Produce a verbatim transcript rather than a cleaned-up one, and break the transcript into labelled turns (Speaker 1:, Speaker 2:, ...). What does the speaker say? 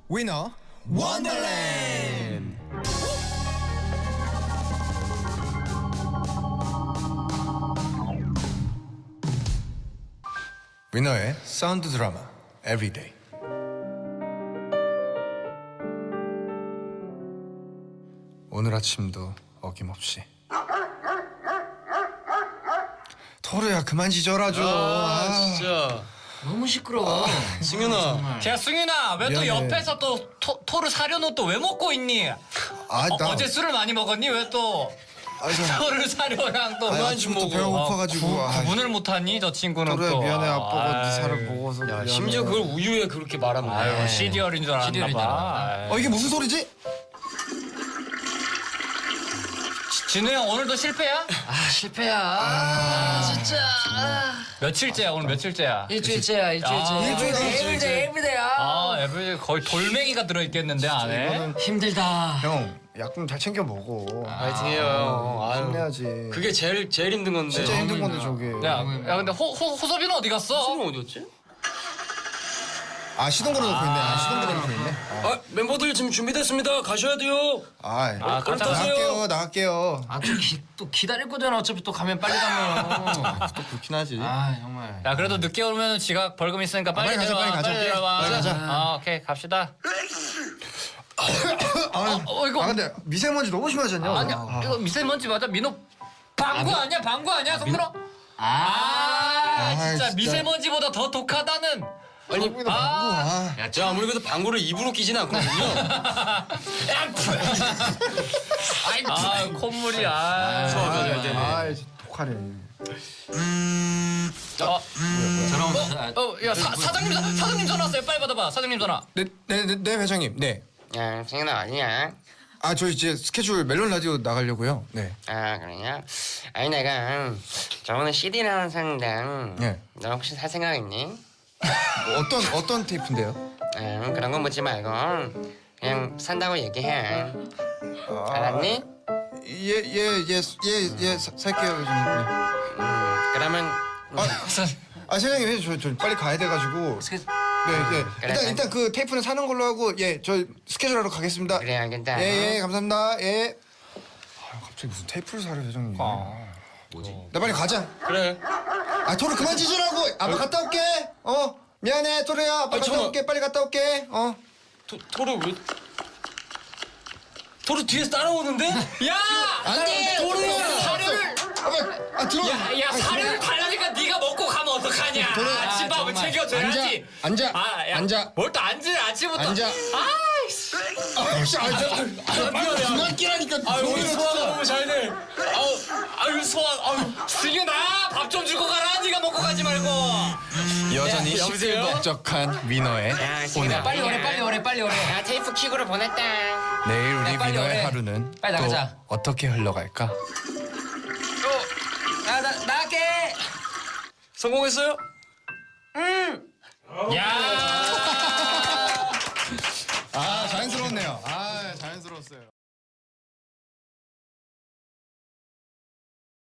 Speaker 1: 위너 원더랜드. 위너의 사운드 드라마 에브리데이. 오늘 아침도 어김없이. 토르야 그만 짖어라 좀.
Speaker 2: 아, 진짜
Speaker 3: 너무 시끄러워.
Speaker 2: 승윤아.
Speaker 4: 야 승윤아 왜 또
Speaker 1: 미안해.
Speaker 4: 옆에서 또 토, 토르 사료는 또 왜 먹고 있니?
Speaker 1: 아,
Speaker 4: 어,
Speaker 1: 나
Speaker 4: 어제 술을 많이 먹었니? 왜 또
Speaker 1: 아, 저-
Speaker 4: 토르 사료랑 또
Speaker 1: 아니,
Speaker 4: 그만
Speaker 1: 아침부터
Speaker 4: 좀
Speaker 1: 배가
Speaker 4: 먹어.
Speaker 1: 고파가지고.
Speaker 4: 구,
Speaker 1: 아,
Speaker 4: 구분을 못하니 저 친구는
Speaker 1: 토르야
Speaker 4: 또.
Speaker 1: 미안해. 아빠가 네
Speaker 4: 아이.
Speaker 1: 살을 먹어서
Speaker 2: 야,
Speaker 1: 미안해.
Speaker 2: 심지어 그걸 우유에 그렇게 말하면
Speaker 4: 아유
Speaker 2: 돼.
Speaker 4: 시리얼인 줄 알았나
Speaker 3: 시리얼인 줄
Speaker 4: 봐.
Speaker 3: 알았나?
Speaker 1: 어 이게 무슨 소리지?
Speaker 4: 지- 진우 형 오늘도 실패야?
Speaker 3: 아 실패야. 아, 진짜. 아.
Speaker 4: 며칠째야 오늘 며칠째야?
Speaker 3: 일주일째야 일주일째.
Speaker 4: 아,
Speaker 1: 일주일째,
Speaker 3: 에브리데이
Speaker 1: 일주일째.
Speaker 3: 에브리데이야.
Speaker 4: 아 에브리 거의 돌멩이가 들어있겠는데 안에?
Speaker 1: 이거는
Speaker 3: 힘들다.
Speaker 1: 형 약 좀 잘 챙겨 먹어.
Speaker 2: 파이팅해요. 아유,
Speaker 1: 힘내야지.
Speaker 2: 그게 제일 제일 힘든 건데.
Speaker 1: 진짜 힘든 건데 저게.
Speaker 4: 야, 야 근데 호, 호, 호섭이는 어디 갔어?
Speaker 2: 승윤 어디였지?
Speaker 1: 아 시동 걸어놓고 있네. 아 시동 걸어놓고 있네. 아,
Speaker 2: 아 멤버들 지금 준비됐습니다. 가셔야 돼요.
Speaker 1: 아,
Speaker 4: 아,
Speaker 2: 얼른
Speaker 4: 가자.
Speaker 2: 타세요.
Speaker 1: 나갈게요. 나갈게요.
Speaker 3: 아또 또 기다릴 거잖아. 어차피 또 가면 빨리 가면.
Speaker 1: 또 그렇긴 하지.
Speaker 3: 아 정말.
Speaker 4: 야 그래도 늦게 오면 지각 벌금 있으니까 빨리
Speaker 1: 빨리 가자,
Speaker 4: 내려와,
Speaker 1: 빨리 가자.
Speaker 4: 내려와.
Speaker 1: 빨리 가자.
Speaker 4: 아 오케이 갑시다.
Speaker 1: 아,
Speaker 4: 어 이거
Speaker 1: 아 근데 미세먼지 너무 심하지 않냐?
Speaker 4: 아니야
Speaker 1: 아.
Speaker 4: 이거 미세먼지 맞아? 민호 방구 아니야 방구 아니야 성민아? 아,
Speaker 1: 아,
Speaker 4: 진짜
Speaker 1: 진짜.
Speaker 4: 미세먼지보다 더 독하다는.
Speaker 1: 아니
Speaker 4: 아.
Speaker 1: 아.
Speaker 2: 야, 제가 아무리 그래도 방구를 입으로 끼진 않거든요.
Speaker 4: 아 콧물이 아.
Speaker 2: 소화가 되네.
Speaker 1: 아, 독하네.
Speaker 4: 어,
Speaker 3: 전화 온다.
Speaker 4: 어, 야 사, 사장님 사- 사장님 전화 왔어요. 빨리 받아봐. 사장님 전화.
Speaker 1: 네, 네, 네, 네 회장님. 네.
Speaker 5: 야, 승현아 어디야?
Speaker 1: 아, 저 이제 스케줄 멜론 라디오 나가려고요. 네.
Speaker 5: 아, 그러냐? 아니 내가 저번에 씨디 나온 샀는데
Speaker 1: 네.
Speaker 5: 너 혹시 살 생각 있니?
Speaker 1: 뭐 어떤 어떤 테이프인데요?
Speaker 5: 음, 그런 거 묻지 말고 그냥 산다고 얘기해.
Speaker 1: 아,
Speaker 5: 알았니?
Speaker 1: 예, 예, 예, 예, 예, 사- 살게요, 회장님. 네.
Speaker 5: 음, 그러면
Speaker 1: 아, 사장님, 저, 저 빨리 가야 돼가지고.
Speaker 3: 스케-
Speaker 1: 네, 네.
Speaker 5: 그래,
Speaker 1: 일단 일단 그 테이프는 사는 걸로 하고, 예, 저 스케줄 하러 가겠습니다.
Speaker 5: 그래 알겠다.
Speaker 1: 예, 예, 감사합니다. 예. 아, 갑자기 무슨 테이프를 사려, 회장님.
Speaker 3: 뭐지?
Speaker 1: 나 빨리 가자.
Speaker 2: 그래.
Speaker 1: 아, 토르 그만 짖으라고. 아빠 갔다 올게. 어, 미안해, 토르야. 아빠
Speaker 2: 아니,
Speaker 1: 갔다
Speaker 2: 잠깐만.
Speaker 1: 올게. 빨리 갔다 올게. 어.
Speaker 2: 토, 토르 왜? 토르 뒤에서 따라오는데?
Speaker 4: 야!
Speaker 1: 안돼, 토르야.
Speaker 4: 사료를
Speaker 1: 아빠, 아 들어.
Speaker 4: 야, 야 사료를 달라니까 네가 먹고 가면 어떡하냐?
Speaker 1: 그래.
Speaker 4: 아침밥을
Speaker 3: 정말.
Speaker 4: 챙겨줘야지.
Speaker 1: 앉아, 앉아,
Speaker 4: 아, 야,
Speaker 1: 앉아.
Speaker 4: 뭘 또 앉으래 아침부터.
Speaker 1: 앉아.
Speaker 4: 아이씨.
Speaker 1: 아, 씨, 아, 저, 아,
Speaker 2: 미안해.
Speaker 1: 그만 끼라니까.
Speaker 2: 아, 오늘 소화가 너무 잘 돼. 아우, 아유 소화, 아유.
Speaker 4: 승윤아 밥 좀 주고 가라. 네가 먹고 가지 말고.
Speaker 1: 여전히
Speaker 2: 야, 여보세요?
Speaker 1: 시끌벅적한 위너의
Speaker 5: 야, 승현아
Speaker 3: 빨리 오래 빨리 오래 빨리 오래.
Speaker 5: 야, 테이프 킥으로 보냈다.
Speaker 1: 내일 우리
Speaker 3: 야, 빨리
Speaker 1: 위너의
Speaker 3: 오래.
Speaker 1: 하루는
Speaker 3: 빨리
Speaker 1: 또
Speaker 3: 나가자.
Speaker 1: 어떻게 흘러갈까?
Speaker 3: 야나 나갈게.
Speaker 2: 성공했어요?
Speaker 4: 야